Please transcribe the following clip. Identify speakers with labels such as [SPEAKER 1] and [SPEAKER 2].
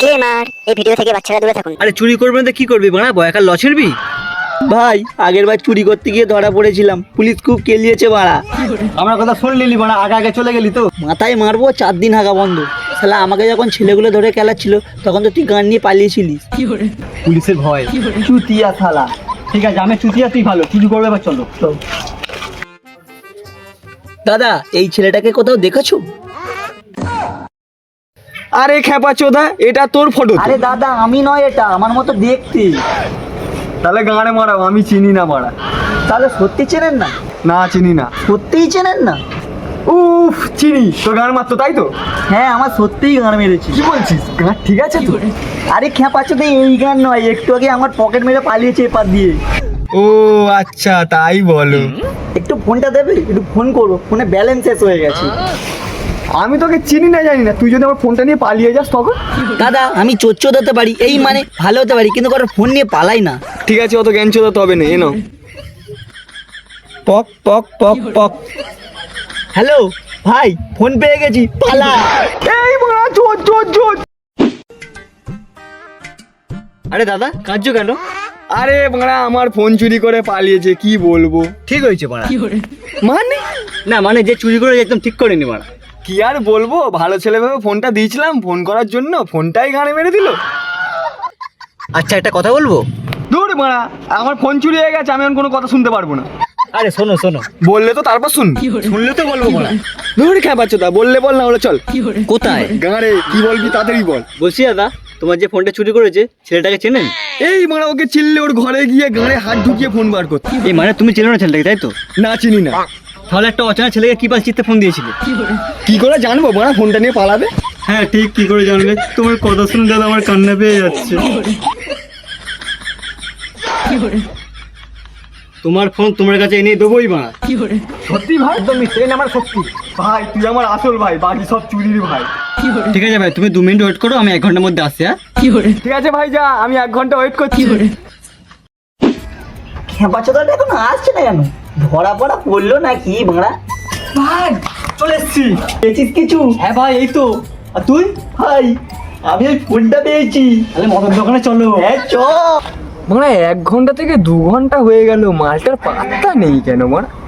[SPEAKER 1] Disclaimer, এই video থেকে বাচ্চারা দূরে থাকুন।
[SPEAKER 2] আরে চুরি করবে না তো কি করবি বাড়া, বয়াকার লছেরবি?
[SPEAKER 3] ভাই আগের বার চুরি করতে গিয়ে ধরা পড়েছিলাম, পুলিশ খুব কেলিয়েছে বাড়া।
[SPEAKER 2] আমার কথা শুন লিলি বাড়া, আগে আগে চলে গেলি তো।
[SPEAKER 3] মাথায় মারবো 4 দিন হাগা বন্ধ। শালা আমাকে যখন ছেলেগুলো ধরে খেলাচ্ছিল তখন তো তুই গান নিয়ে পালিয়েছিলিস।
[SPEAKER 2] পুলিশের ভয়।
[SPEAKER 3] চুতিয়া শালা।
[SPEAKER 2] ঠিক আছে, আমি চুতিয়া, তুই ভালো চুরি করবে, এবার চলো।
[SPEAKER 3] দাদা এই ছেলেটাকে কোথাও দেখেছো?
[SPEAKER 4] আরে খেপা চোদা, এটা তোর ফটো?
[SPEAKER 3] আরে দাদা আমি নয়, এটা আমার মতো দেখতে।
[SPEAKER 4] তাহলে গানে মারাও, আমি চিনি না মারা।
[SPEAKER 3] তাহলে সত্যি চেনেন না?
[SPEAKER 4] না চিনি না।
[SPEAKER 3] সত্যিই চেনেন না?
[SPEAKER 4] উফ চিনি, তোর গান মারতো তাই তো?
[SPEAKER 3] হ্যাঁ আমার সত্যিই গান মেরেছি।
[SPEAKER 4] কি বলছিস, গান ঠিক আছে তো?
[SPEAKER 3] আরে খেপাচ্ছ তো, এই গান নয়, একটু আগে আমার পকেট মেরে পালিয়েছে এপার দিয়ে।
[SPEAKER 4] ও আচ্ছা তাই বলো।
[SPEAKER 3] একটু ফোনটা দেবে, একটু ফোন করবো, ফোনে ব্যালেন্স শেষ হয়ে গেছে।
[SPEAKER 4] আমি তোকে চিনি না জানি না, তুই যদি আমার ফোনটা নিয়ে পালিয়ে যাস তখন?
[SPEAKER 3] দাদা আমি চোর হতে পারি, এই মানে ভালো হতে পারি, কিন্তু কারোর ফোন নিয়ে পালাই না।
[SPEAKER 4] ঠিক আছে, অত জ্ঞান চোদাতে হবে না, এনো। পক পক পক পক।
[SPEAKER 3] হ্যালো ভাই, ফোন পেয়ে গেছি, পালা।
[SPEAKER 4] এই মারা, চোর চোর চোর।
[SPEAKER 2] আরে দাদা কাঁদছো কেন?
[SPEAKER 4] আরে মারা, আমার ফোন চুরি করে পালিয়েছে, কি বলবো।
[SPEAKER 2] ঠিক হয়েছে বাড়া।
[SPEAKER 4] মানে
[SPEAKER 2] না মানে যে চুরি করে একদম ঠিক করেনি বাড়া।
[SPEAKER 4] কি আর বলবো, ভালো ছেলে ভেবে ফোনটা দিয়েছিলাম ফোন করার জন্য, ফোনটাই গানে মেরে দিল।
[SPEAKER 2] আচ্ছা একটা কথা বলবো?
[SPEAKER 4] দূর মারা, আমার ফোন চুরি হয়ে গেছে, আমি এখন কোনো কথা শুনতে পারবো না।
[SPEAKER 2] আরে শোনো শোনো,
[SPEAKER 4] বললে তো তারপর শুন।
[SPEAKER 2] শুনলে তো বলবো বাড়া।
[SPEAKER 4] দূর খেপাচ্ছো তা, বললে বল, না হলে চল।
[SPEAKER 2] কোথায়?
[SPEAKER 4] গাঁড়ে কি বলবি তাড়াতাড়ি বল।
[SPEAKER 2] বলছি দাদা, তোমার যে ফোনটা চুরি করেছে ছেলেটাকে চেনেন?
[SPEAKER 4] এই মারা, ওকে চিনলে ওর ঘরে গিয়ে গাঁড়ে হাত ঢুকিয়ে ফোন বার করতে।
[SPEAKER 2] এই মানে তুমি চেনো না ছেলেটাকে তাই তো?
[SPEAKER 4] না চিনি না।
[SPEAKER 2] তাহলে একটা অচেনা ছেলেকে কি পাল চিত্তে ফোন দিয়েছিলে?
[SPEAKER 4] কি করে জানবো মারা, ফোনটা নিয়ে পালাবে?
[SPEAKER 2] হ্যাঁ ঠিক, কি করে জানবে? তোমার কথা শুনে দাদা আমার কান্না পেয়ে যাচ্ছে। তোমার ফোন তোমার কাছে এনে দেবোই মা।
[SPEAKER 4] সত্যি ভাই? একদম মিথ্যে, আমার সত্যি ভাই, তুই আমার আসল ভাই, বাকি সব চুরির ভাই।
[SPEAKER 2] ঠিক আছে ভাই, তুমি 2 মিনিট ওয়েট করো, আমি 1 ঘন্টার মধ্যে আসছি। হ্যাঁ
[SPEAKER 4] ঠিক আছে ভাই, যা, আমি 1 ঘন্টা ওয়েট করছি।
[SPEAKER 3] খেপাচোদাটা এখন আসছে না কেন? ধরা পড়া পড়লো নাকি ভাড়া?
[SPEAKER 4] ভাই চলে এসছি।
[SPEAKER 3] পেয়েছিস কিছু?
[SPEAKER 2] হ্যাঁ ভাই এই তো। আর তুই?
[SPEAKER 3] ভাই আমি ওই ফোনটা পেয়েছি।
[SPEAKER 2] তাহলে মদের দোকানে চলো।
[SPEAKER 3] হ্যাঁ চ।
[SPEAKER 4] মানে 1 ঘন্টা থেকে 2 ঘন্টা হয়ে গেল, মালটার পাত্তা নেই কেন মারা?